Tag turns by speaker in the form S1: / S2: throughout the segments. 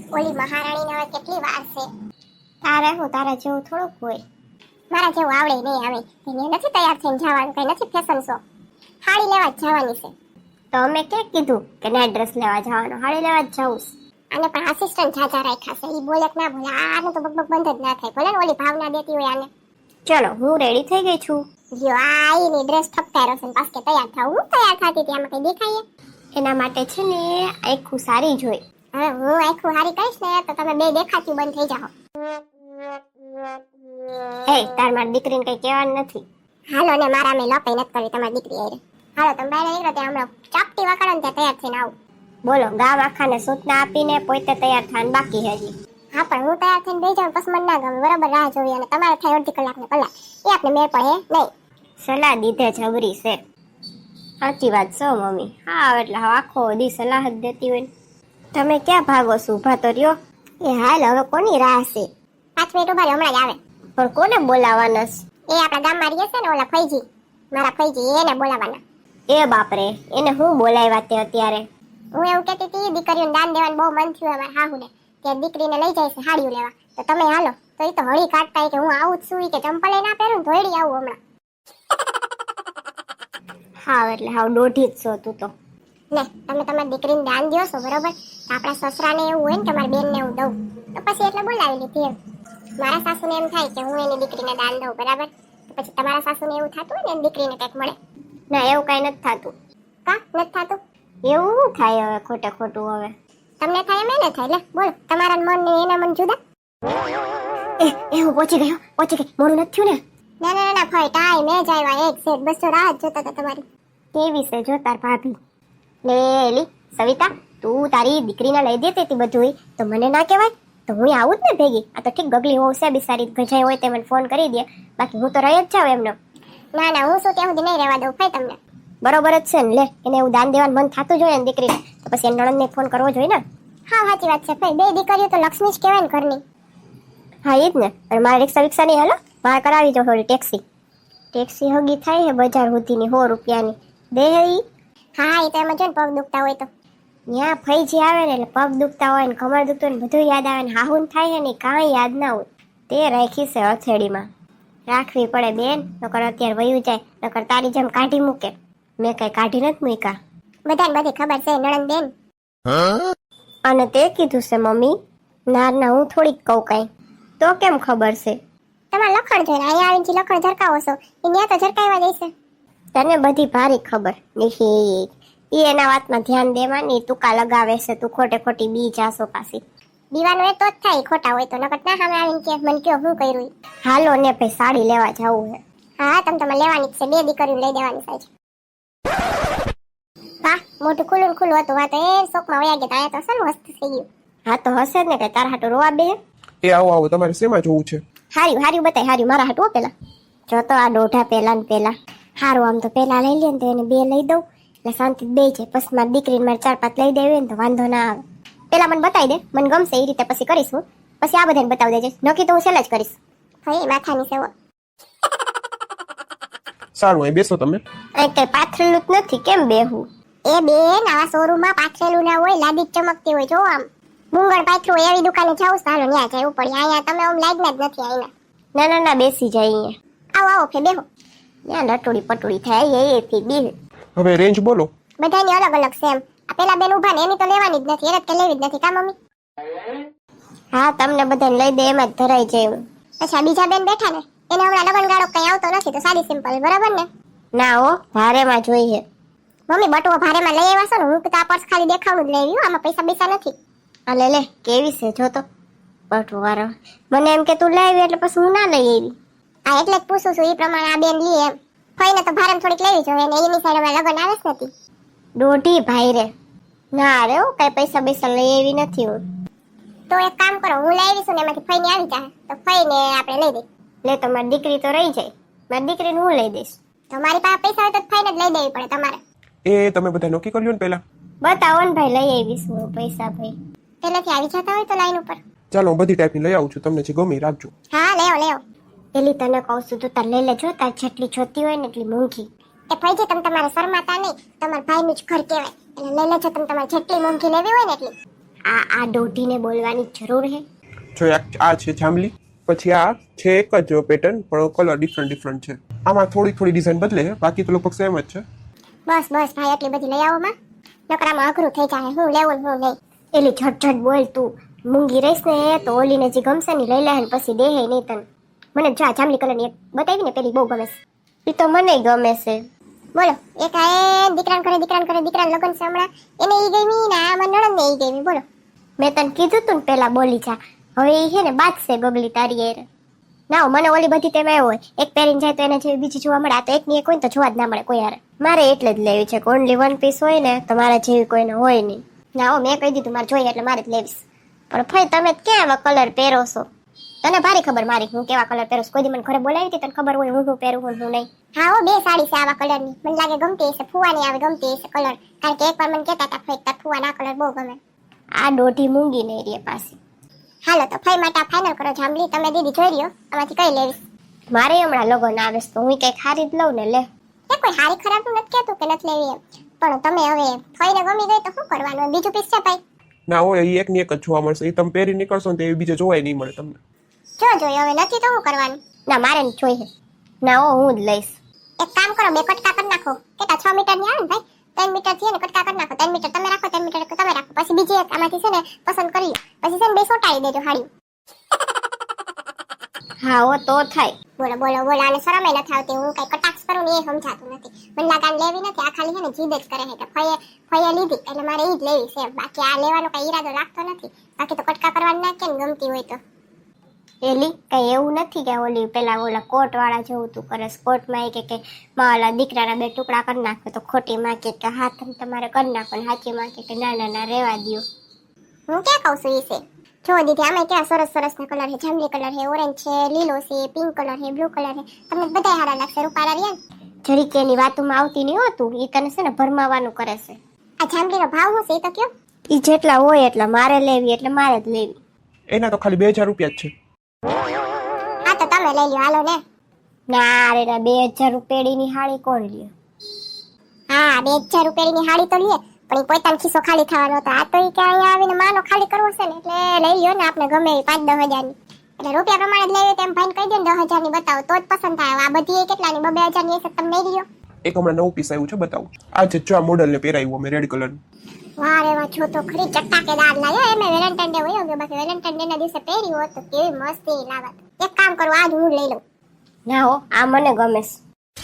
S1: ઓલી મહારાણીને હવે કેટલી વાર છે. તારે હું તારા જેવું થોડુંક હોય. મારા જેવું આવડે નહીં આવે. એને નથી તૈયાર થઈને જવાનું, કઈ નથી ફેશન શો. હાડી લેવા જ જવાની છે. તો અમે ક્યાં કીધું કે ના ડ્રેસ લેવા જવાનો, હાડી લેવા જ જવું. આને પણ આસિસ્ટન્ટ જાજા રાખ્યા છે. ઈ બોલે કે ના બોલે, આને તો બકબક બંધ જ ના થાય. ભલે ને ઓલી ભાવના દેતી હોય આને. ચલો હું રેડી થઈ ગઈ છું. જો આઈની ડ્રેસ ઠપકારો છે, પાસ કે તૈયાર થાવ. હું તૈયાર થતી હતી, આમાં કઈ દેખાય? એના માટે છે ને આખું સારી જોઈ. હવે હું આખું સારી કહીશ ને તો તમે બે દેખાતી બંધ થઈ જાઓ. એ તાર મારી દીકરીને કઈ કહેવાનું નથી. હાલો ને મારા મેં લપાઈ નથી કરી તમારી દીકરી આરે. હાલો તમે બહાર નીકળો ત્યાં હમણાં ચાપટી વાકાડો ને ત્યાં તૈયાર થઈને આવું. બોલો ગામ આખાને સૂચના આપીને પોતે તૈયાર થવાનું બાકી છે હજી. હા પણ હું તૈયાર થઈને બેસી જાઉં પછી મને ના ગમે. બરાબર રાહ જોવી અને તમારે થાય અડધી કલાક ને કલાક એ આપણે મેળ પડે નહીં. સલાહ દીધે જબરી છે. સાચી વાત છો મમ્મી. હા એટલે આખો દી સલાહ જ દેતી હોય. તમે ક્યાં ભાગો છો? ઉભા તો રહ્યો. એ હાલ હવે કોની રાહ છે? 5 મિનિટ ઉભા હમણાં જ આવે. પણ કોને બોલાવાના? એ આપણા ગામમાં રહીએ છે ને ઓલા ફઈજી, મારા ફઈજી, એને બોલાવાના. એ બાપરે, એને હું બોલાવ્યા તે અત્યારે? હું એવું કહેતી હતી દીકરીઓને દાન દેવાનું બહુ મન થયું અમારા હાહુને. ત્યાં દીકરીને લઈ જાય છે હાડીઓ લેવા. તો તમે હાલો. તો એ તો હળી કાઢતા કે હું આવું જ છું કે ચંપલે ના પહેરું ધોઈડી આવું હમણાં. હા એટલે હાવ દોઢી જ છો તું તો. ને તમે તમારી દીકરીને દાન દો છો બરોબર. આપણા સસરાને એવું હોય ને કે મારી બેનને એવું દઉં તો પછી એટલે બોલાવી લીધી એમ. મારા સાસુને એમ થાય કે હું એની દીકરીને દાન દઉં બરાબર. તો પછી તમારા સાસુને એવું થતું હોય ને એની દીકરીને કંઈક મળે. ના એવું કઈ નથી થતું. કા નથી થતું? એવું શું થાય હવે ખોટે ખોટું હવે? તમને થાય એમ એને થાય. લે બોલ તમારા મન ને એના મન જુદા. એ હું પહોંચી ગઈ મોડું નથી થયું ને? ના ફાઈ ટાઈ મેં જ આવ્યા. એક સેટ બસ તો રાહ જ જોતા હતા તમારી. કેવી છે જો તાર ભાભી. લે એલી સવિતા, તું તારી દીકરીને લઈ દેતી હતી બધું તો મને ના કહેવાય? તો હું આવું જ ને ભેગી. આ તો ઠીક ગગલી હોવ છે બિસારી, ગજાઈ હોય તે મને ફોન કરી દે. બાકી હું તો રહી જ જાઉં એમનો. ના હું શું ત્યાં સુધી નહીં રહેવા દઉં ભાઈ તમને. બરોબર જ છે ને. લે એને એવું દાન દેવાનું મન થતું જોઈએ ને દીકરીને તો પછી એના નણંદને ફોન કરવો જોઈએ ને. હા સાચી વાત છે ભાઈ. બે દીકરીઓ તો લક્ષ્મી જ કહેવાય ને ઘરની. હા એ જ ને. અને મારે રિક્ષા વિક્ષા નહીં હાલો, મારે કરાવી જો થોડી ટેક્સી હગી થાય છે બજાર સુધીની 100 રૂપિયાની દે ઈ. હા એ તો એમ જ ને પગ દુખતા હોય તો ત્યાં ફઈજી આવે ને એટલે પગ દુખતા હોય ને કમર દુખતું હોય ને બધું યાદ આવે ને હાહુન થાય છે ને કાંઈ યાદ ના હોય. તે રાખી છે હથેળીમાં. રાખવી પડે બેન, નકર અત્યારે વયું જાય, નકર તારી જેમ કાઢી મૂકે. મેં કઈ કાઢી નથી મૂકા. બધાને બધી ખબર છે નણંદ બેન. અને તે કીધું છે મમ્મી? ના હું થોડીક કહું કઈ. તો કેમ ખબર છે? તમારે લખણ જોઈને અહીંયા આવીને લખણ ઝરકાવો છો એ ત્યાં તો ઝરકાવવા જઈશે. તને બધી ભારી ખબર. ઈ એના વાતમાં ધ્યાન દેવાની તુકા લગાવે છે. તું ખોટે ખોટી બી જાશો પાછી. દીવાનું એ તો જ થાય ખોટા હોય તો, નકર ના સામે આવીને કે મને કયો હું કર્યું. હાલો ને ભાઈ સાડી લેવા જાવું છે. હા તમે લેવાની જ છે. 2 દીકરીઓ લઈ દેવાની થાય છે. વાહ મોટું ખુલ્લું હતું. વાત એ શોકમાં વયા ગયા. આયા તો સર મસ્ત થઈ ગયું. હા તો હશે જ ને કે તારા હાટુ રોવા બે.
S2: એ આવો તમારે શેમાં જોવું છે?
S1: હાર્યું બતાય. હાર્યું મારા હાટુ પેલા જો તો આ દોઢા પેલા ને પેલા હારું. આમ તો પેલા લઈ લે ને તો એને 2 લઈ દઉં એટલે શાંતિ બે છે. પછી મારી દીકરીને મારે 4-5 લઈ દેવી ને તો વાંધો ના આવે. પેલા મને બતાવી દે, મને ગમશે એ રીતે પછી કરીશું. પછી આ બધાને બતાવી દેજે. નક્કી તો હું સેલ જ કરીશ. ભાઈ માથાની સેવો.
S2: સારું અહીં બેસો તમે.
S1: અહીં કઈ પાથરેલું જ નથી, કેમ બેહું? એ બેન આવા શોરૂમમાં પાથરેલું ના હોય, લાદી ચમકતી હોય. જો આમ મુંગળ પાથરું હોય એવી દુકાને જાવ ચાલો ત્યાં જવું પડે. અહીંયા તમે આમ લાગના જ નથી. અહીંયા ના બેસી જાય અહીંયા. આવો ફે બેહો. ત્યાં લટોડી પટોડી થાય એથી બી.
S2: હવે રેન્જ બોલો.
S1: બધાની અલગ અલગ છે એમ. આ પેલા બેન ઉભા ને એની તો લેવાની જ નથી. એને તો લેવી જ નથી કા મમ્મી? હા તમને બધાને લઈ દે એમ જ ધરાઈ જાય. પછી આ બીજા બેન બેઠા ને એને હમણાં લગન ગાળો કઈ આવતો નથી તો સાડી સિમ્પલ બરાબર ને? ના હો ભારેમાં જોઈએ. મમ્મી બટુઓ ભારેમાં લઈ આવ્યા છો ને? હું તો આ પર્સ ખાલી દેખાવનું જ લઈ આવ્યું. આમાં પૈસા નથી. આ લે કેવી છે જો તો બટુ વાળો. મને એમ કે તું લઈ આવી એટલે પછી હું ના લઈ આવી. આ એટલે જ પૂછું છું એ પ્રમાણે આ બેન લી એમ. ફઈને તો ભારેમાં થોડીક લેવી જોઈએ ને એની સાઈડ હમણાં લગન આવે જ નથી. દોઢી ભાઈ રે. ના રે કઈ પૈસા લઈ આવી નથી હું. તો એક કામ કરો હું લઈ આવીશું ને એમાંથી ફઈને આવી જાય તો ફઈને આપણે લઈ દઈ. લે તો મારી દીકરી તો રહી જાય. મારી દીકરીને હું લઈ દઈશ. તમારી પાસે પૈસા હોય તો ફઈને જ લઈ દેવી પડે તમારે.
S2: એ તમે બધા નક્કી કર્યું ને પેલા?
S1: બતાવો ને ભાઈ લઈ આવીશ હું પૈસા ભાઈ. પેલેથી આવી જતા હોય તો લાઈન ઉપર.
S2: ચાલો હું બધી ટાઈપની લઈ આવું છું. તમને જે ગમે રાખજો.
S1: હા લેવો. પેલી તને કહું છું તો તાર લઈ લેજો. તાર જેટલી જોતી હોય ને એટલી મોંઘી. એ ભાઈજી તમે તમારે શરમાતા નહીં. તમારા ભાઈનું જ ઘર કહેવાય એટલે લઈ લેજો. તમે તમારે જેટલી મોંઘી લેવી હોય ને એટલી. આ દોઢીને બોલવાની જરૂર હે?
S2: જો આ છે જાંબલી, પછી આ છે એક જ પેટર્ન પણ કલર ડિફરન્ટ છે. આમાં થોડી ડિઝાઇન બદલે છે, બાકી તો લગભગ સેમ જ છે.
S1: બસ ભાઈ એટલી બધી લઈ આવો માં, નકરામાં અઘરું થઈ જાય. હું લેવું હું નહીં. એલી ઝટ બોલ તું. મૂંગી રહીશ ને તો ઓલીને જે ગમશે ને લઈ લે ને પછી દેહે નહીં તને. મને જો આ જાંબલી કલરની એક બતાવી ને પેલી બહુ ગમે છે. એ તો મને ગમે છે. બોલો એક આ દીકરાને કરે દીકરાને લગન છે હમણાં, એને ઈ ગમી ને આ મારા નણંદને ઈ ગમી. બોલો મેં તને કીધું તું ને પેલા બોલી જા. હવે ઈ છે ને બાદશે ગગલી તારી એર. ના મને ઓલી બધી તેમ આવ્યો હોય, એક પહેરીને જાય તો એને જેવી બીજી જોવા મળે. આ તો એકની એક હોય ને તો જોવા જ ના મળે કોઈ હારે. મારે એટલે જ લેવી છે કે ઓનલી વન પીસ હોય ને તો મારા જેવી કોઈને હોય નહીં. ના હો મેં કહી દીધું મારે જોઈએ એટલે મારે જ લેવીશ. પણ ભાઈ તમે ક્યાં આવા કલર પહેરો છો? તને ભારી ખબર મારી હું કેવા કલર પહેરું. કોઈ દી મને ઘરે બોલાવી હતી તને ખબર હોય હું પહેરું હું નહીં. હા હો બે સાડી છે આવા કલરની, મને લાગે ગમતી હશે. ફુવાની આવે ગમતી હશે કલર, કારણ કે એકવાર મને કહેતા હતા ફઈ તાર ફુવાના કલર બહુ ગમે. આ દોઢી મૂંગી નહીં રે પાછી. હાલો તો ફઈ માટે ફાઇનલ કરો જાંબલી. તમે દીદી જોઈ રહ્યો આમાંથી કઈ લેવીશ? મારે હમણાં લગન આવે તો હું કઈ ખારી જ લઉં ને લે. એ કોઈ હારી ખરાબ નથી કહેતું કે નથી લેવી એમ, પણ તમે હવે ફઈને ગમી ગઈ તો શું કરવાનું? બીજું પીસ છે ભાઈ?
S2: ના હોય એ એકની એક જ જોવા મળશે. એ તમે પહેરી નીકળશો ને તો એ બીજે જોવાય નહીં મળે તમને.
S1: જો જોઈએ હવે નથી તો શું કરવાનું? ના મારે ને જોઈએ. ના હો હું જ લઈશ. એક કામ કરો બે કટકા કરી નાખો. કેટલા 6 મીટર ની આવે ને ભાઈ, 3 મીટર થી ને કટકા કરી નાખો. 3 મીટર તમે રાખો, 3 મીટર તમે રાખો. પછી બીજી એક આમાંથી છે ને પસંદ કરી લો. પછી છે ને બે સોટાડી દેજો હાડી. હા હો તો થાય. બોલો આને શરમ એ નથી આવતી. હું કઈ કટાક્ષ કરું ને એ સમજાતું નથી. મને લાગે આને લેવી નથી. આ ખાલી છે ને જીદ જ કરે છે કે ફઈએ લીધી એટલે મારે ઈ જ લેવી છે. બાકી આ લેવાનો કઈ ઈરાદો રાખતો નથી. બાકી તો કટકા કરવાની ના કેમ ગમતી હોય તો. એલી કઈ એવું નથી કે ઓલી પેલા ઓલા કોટ વાળા જેવું તું કરે. કોટમાં કે મારા દીકરાના 2 ટુકડા કરી નાખો તો ખોટી માં કે હાથ તમારે કરી નાખો ને સાચી માં કે ના રેવા દો. હું ક્યાં કહું છું ઈ છે. જો દીદી આમાં કેવા સરસ ના કલર છે. જાંબલી કલર છે, ઓરેન્જ છે, લીલો છે, પિંક કલર છે, બ્લુ કલર છે. તમને બધા સારા લાગશે. રૂપાળા રહ્યા ને જરીકે એની વાતોમાં આવતી નહીં હોતું. ઈ તને છે ને ભરમાવાનું કરે છે. આ જાંબલીનો ભાવ શું છે એ તો કયો? ઈ જેટલા હોય એટલા મારે લેવી એટલે મારે જ લેવી.
S2: એના તો ખાલી 2000 રૂપિયા જ છે.
S1: હા તો તમે લઈ લ્યો હાલો ને. ના રે ના 2000 રૂપિયાની હાડી કોણ લે? હા 2000 રૂપિયાની હાડી તો લે પણ એ પોતાનો ખિસ્સો ખાલી થવાનો હતો. આ તો એ કે અહીંયા આવીને માનો ખાલી કરવો છે ને એટલે લઈ લ્યો ને આપણે ગમે એ 5-10 હજારની. એટલે રૂપિયા પ્રમાણે જ લેવી તેમ ભાઈને કહી દે ને 10,000 ની બતાવો તો જ પસંદ થાય. આ બધી કેટલાની 2,000 ની હશે તમે લઈ લ્યો.
S2: એક હમણાં નવું પીસ આવ્યું છે બતાવું. આ જે જો આ મોડલ ને પહેરાવ્યું અમે રેડ કલર.
S1: વાહ રે વાહ છો તો ખરી ચટાકેદાર લાગ્યો. એમે વેલેન્ટાઇન ડે હોય કે બાકી વેલેન્ટાઇન ડે ના દિવસે પહેરી હોત તો કેવી મસ્તી લાગત. એક કામ કરું આજ હું લઈ લઉં. ના હો આ મને ગમે છે.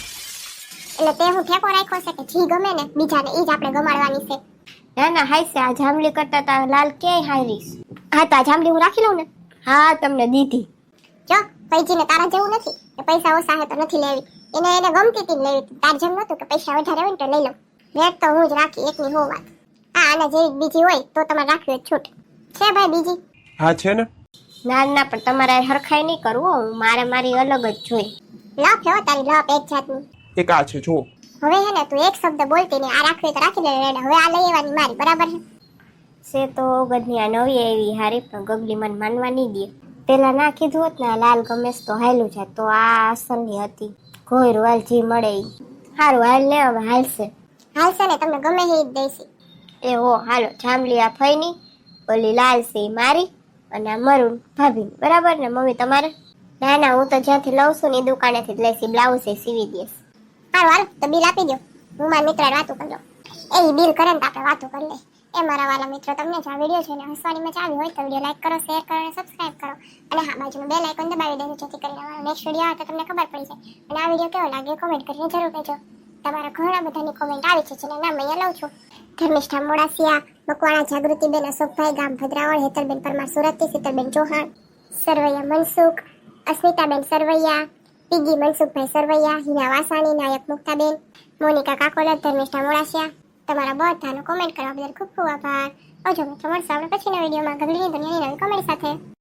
S1: એટલે તે હું ઠેકો રાખ્યો છે કે જી ગમે ને બીજાને ઈ જ આપણે ગમાડવાની છે. ના હાઈ છે. આ જાંબલી કરતા તા લાલ ક્યાંય હારીશ. હા તો આ જાંબલી હું રાખી લઉં ને. હા તમને દીધી. જો પૈજીને તારા જેવું નથી કે પૈસા ઓછા હે તો નથી લેવી. એને ગમતી હતી લેવી. તાર જેમ નતું કે પૈસા વધારે હોય ને તો લઈ લઉં. રેટ તો હું જ રાખી એકની હો વાત. હા આના જેવી બીજી હોય તો તમારે રાખવી હોય છૂટ છે ભાઈ બીજી.
S2: હા છે ને.
S1: ના પણ તમારે હરખાઈ નહીં કરવું. મારે મારી અલગ જ જોઈ. લપ હો તારી લપ એક જાતની.
S2: એક આ છે જો.
S1: હવે હે ને તું એક શબ્દ બોલતી ને આ રાખવી તો રાખી લે રેડ. હવે આ લઈ આવવાની મારી બરાબર છે તો ગદની આ નવી એવી હારી પણ ગગલી મને માનવા નહીં દે. પેલા ના કીધું હોત ને લાલ ગમેશ તો હાલું છે તો આ અસલની હતી. કોઈ રોયલ જી મળે ઈ હારું હાલ ને હવે હાલશે ને તમને ગમે એ જ દઈશી. એ હો હાલો જાંબલી આ ફઈની, ઓલી લાલ છે મારી અને આ મરૂન ભાભી બરાબર ને મમ્મી તમારે? ના હું તો જ્યાંથી લઉં છું ને એ દુકાનેથી જ લઈશી. બ્લાઉઝ એ સીવી દઈશ. હારું તો બિલ આપી દો. હું મારા મિત્ર વાતો કરી લઉં. એ બિલ કરે ને તો આપણે વાતો કરી લઈએ. એ મારા વાલા મિત્રો તમને જો આ વિડીયો છે ને હસવાની મજા આવી હોય તો વિડીયો લાઈક કરો, શેર કરો અને સબસ્ક્રાઇબ કરો. અને હા બાજુનું બેલ આઇકોન દબાવી દેજો જેથી કરીને અમારો નેક્સ્ટ વિડીયો આવે તો તમને ખબર પડી જાય. અને આ વિડીયો કેવો લાગ્યો કોમેન્ટ કરીને જરૂર કહેજો. તમારા ઘણા બધાની કોમેન્ટ આવી છે જેના નામ અહીંયા લઉં છું. ધર્મિષ્ઠા મોડાસિયા, મકવાણા જાગૃતિબેન, અશોકભાઈ ગામ ભદ્રાવળ, હેતલબેન પરમાર સુરતથી, શીતલબેન ચૌહાણ, સરવૈયા મનસુખ, અસ્મિતાબેન સરવૈયા, પીગી મનસુખભાઈ સરવૈયા, હિના વાસાણી, નાયક મુક્તાબેન, મોનિકા કાકોલર, ધર્મિષ્ઠા મોડાસિયા. તમારા બધાનો કોમેન્ટ કરવા બદલ ખૂબ ખૂબ આભાર. આવજો મિત્રો મળશું આપણે પછીના વિડીયોમાં ગગલીની દુનિયાની નવી કોમેડી સાથે.